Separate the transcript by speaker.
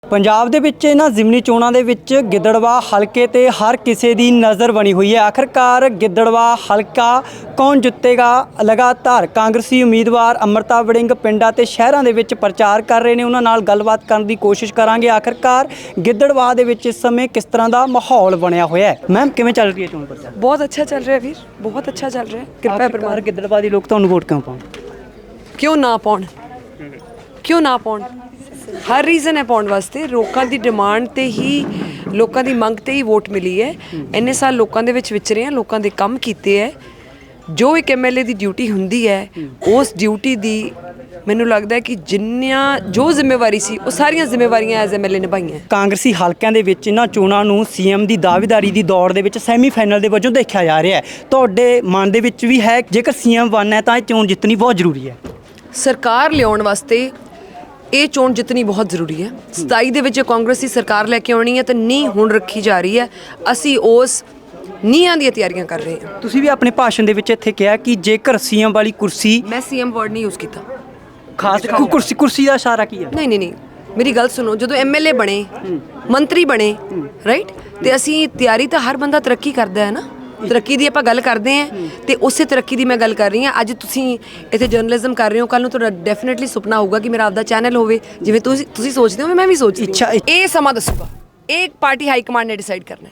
Speaker 1: ਪੰਜਾਬ ਦੇ ਵਿੱਚ ਇਹਨਾਂ ਜ਼ਿਮਨੀ ਚੋਣਾਂ ਦੇ ਵਿੱਚ ਗਿੱਦੜਬਾਹਾ ਹਲਕੇ ਤੇ ਹਰ ਕਿਸੇ ਦੀ ਨਜ਼ਰ ਬਣੀ ਹੋਈ ਹੈ। ਆਖਰਕਾਰ ਗਿੱਦੜਬਾਹਾ ਹਲਕਾ ਕੌਣ ਜਿੱਤੇਗਾ? ਲਗਾਤਾਰ ਕਾਂਗਰਸੀ ਉਮੀਦਵਾਰ ਅੰਮ੍ਰਿਤਾ ਵੜਿੰਗ ਪਿੰਡਾਂ ਤੇ ਸ਼ਹਿਰਾਂ ਦੇ ਵਿੱਚ ਪ੍ਰਚਾਰ ਕਰ ਰਹੇ ਨੇ। ਉਹਨਾਂ ਨਾਲ ਗੱਲਬਾਤ ਕਰਨ ਦੀ ਕੋਸ਼ਿਸ਼ ਕਰਾਂਗੇ। ਆਖਰਕਾਰ ਗਿੱਦੜਬਾਹਾ ਦੇ ਵਿੱਚ ਇਸ ਸਮੇਂ ਕਿਸ ਤਰ੍ਹਾਂ ਦਾ ਮਾਹੌਲ ਬਣਿਆ ਹੋਇਆ ਹੈ? ਮੈਮ ਕਿਵੇਂ ਚੱਲ ਰਹੀ ਹੈ ਚੋਣ ਪ੍ਰਚਾਰ?
Speaker 2: बहुत अच्छा चल रहा है वीर, बहुत अच्छा चल रहा है। कृपया
Speaker 1: ਆਖਰਕਾਰ ਗਿੱਦੜਬਾਹਾ ਦੇ ਲੋਕ ਤੁਹਾਨੂੰ ਵੋਟ ਕਿਉਂ ਪਾਉਣ?
Speaker 2: क्यों ना पाउण, क्यों ना पाउण? हर रीज़न है पाउण वास्ते। लोगों की डिमांड ते ही, लोगों की मंग ते ही वोट मिली है। इन्ने साल लोगों दे विच विचरे हैं, लोगों के काम कीते है। जो एक MLA की ड्यूटी हुंदी है, उस ड्यूटी की ਮੈਨੂੰ ਲੱਗਦਾ ਹੈ ਕਿ ਜਿੰਨੀਆਂ ਜੋ ਜ਼ਿੰਮੇਵਾਰੀ ਸੀ ਉਹ ਸਾਰੀਆਂ ਜ਼ਿੰਮੇਵਾਰੀਆਂ ਐਜ਼ MLA ਨਿਭਾਈਆਂ।
Speaker 1: ਕਾਂਗਰਸੀ ਹਲਕਿਆਂ ਦੇ ਵਿੱਚ ਇਹਨਾਂ ਚੋਣਾਂ ਨੂੰ CM ਦੀ ਦਾਅਵੇਦਾਰੀ ਦੀ ਦੌੜ ਦੇ ਵਿੱਚ ਸੈਮੀਫਾਈਨਲ ਦੇ ਵਜੋਂ ਦੇਖਿਆ ਜਾ ਰਿਹਾ ਹੈ। ਤੁਹਾਡੇ ਮਨ ਦੇ ਵਿੱਚ ਵੀ ਹੈ ਜੇਕਰ CM ਬਣਨਾ ਹੈ ਤਾਂ ਇਹ ਚੋਣ ਜਿੱਤਣੀ ਬਹੁਤ ਜ਼ਰੂਰੀ ਹੈ?
Speaker 2: ਸਰਕਾਰ ਲਿਆਉਣ ਵਾਸਤੇ ਇਹ ਚੋਣ ਜਿੱਤਣੀ ਬਹੁਤ ਜ਼ਰੂਰੀ ਹੈ। 27 ਦੇ ਵਿੱਚ ਕਾਂਗਰਸੀ ਸਰਕਾਰ ਲੈ ਕੇ ਆਉਣੀ ਹੈ ਤਾਂ ਨੀਂਹ ਹੁਣ ਰੱਖੀ ਜਾ ਰਹੀ ਹੈ। ਅਸੀਂ ਉਸ ਨੀਹਾਂ ਦੀਆਂ ਤਿਆਰੀਆਂ ਕਰ ਰਹੇ ਹਾਂ।
Speaker 1: ਤੁਸੀਂ ਵੀ ਆਪਣੇ ਭਾਸ਼ਣ ਦੇ ਵਿੱਚ ਇੱਥੇ ਕਿਹਾ ਕਿ ਜੇਕਰ CM ਵਾਲੀ ਕੁਰਸੀ,
Speaker 2: ਮੈਂ CM ਵਰਡ ਨਹੀਂ ਯੂਜ਼ ਕੀਤਾ।
Speaker 1: ਖਾਸ ਕੁਰਸੀ ਦਾ ਇਸ਼ਾਰਾ ਕੀ ਹੈ?
Speaker 2: ਨਹੀਂ ਮੇਰੀ ਗੱਲ ਸੁਣੋ। ਜਦੋਂ MLA ਬਣੇ, ਮੰਤਰੀ ਬਣੇ, ਰਾਈਟ, ਤੇ ਅਸੀਂ ਤਿਆਰੀ ਤਾਂ ਹਰ ਬੰਦਾ ਤਰੱਕੀ ਕਰਦਾ ਹੈ ਨਾ। ਤਰੱਕੀ ਦੀ ਆਪਾਂ ਗੱਲ ਕਰਦੇ ਹਾਂ ਤੇ ਉਸੇ ਤਰੱਕੀ ਦੀ ਮੈਂ ਗੱਲ ਕਰ ਰਹੀ ਹਾਂ। ਅੱਜ ਤੁਸੀਂ ਇੱਥੇ ਜਰਨਲਿਜ਼ਮ ਕਰ ਰਹੇ ਹੋ, ਕੱਲ ਨੂੰ ਤੁਹਾਡਾ ਡੈਫੀਨੇਟਲੀ ਸੁਪਨਾ ਹੋਊਗਾ ਕਿ ਮੇਰਾ ਆਪਦਾ ਚੈਨਲ ਹੋਵੇ। ਜਿਵੇਂ ਤੁਸੀਂ ਸੋਚਦੇ ਹੋ ਮੈਂ ਵੀ ਸੋਚਦੀ ਹਾਂ। ਇਹ ਸਮਾਂ ਦੱਸੂਗਾ। ਇਹ ਪਾਰਟੀ ਹਾਈ ਕਮਾਂਡ ਨੇ ਡਿਸਾਈਡ ਕਰਨਾ ਹੈ।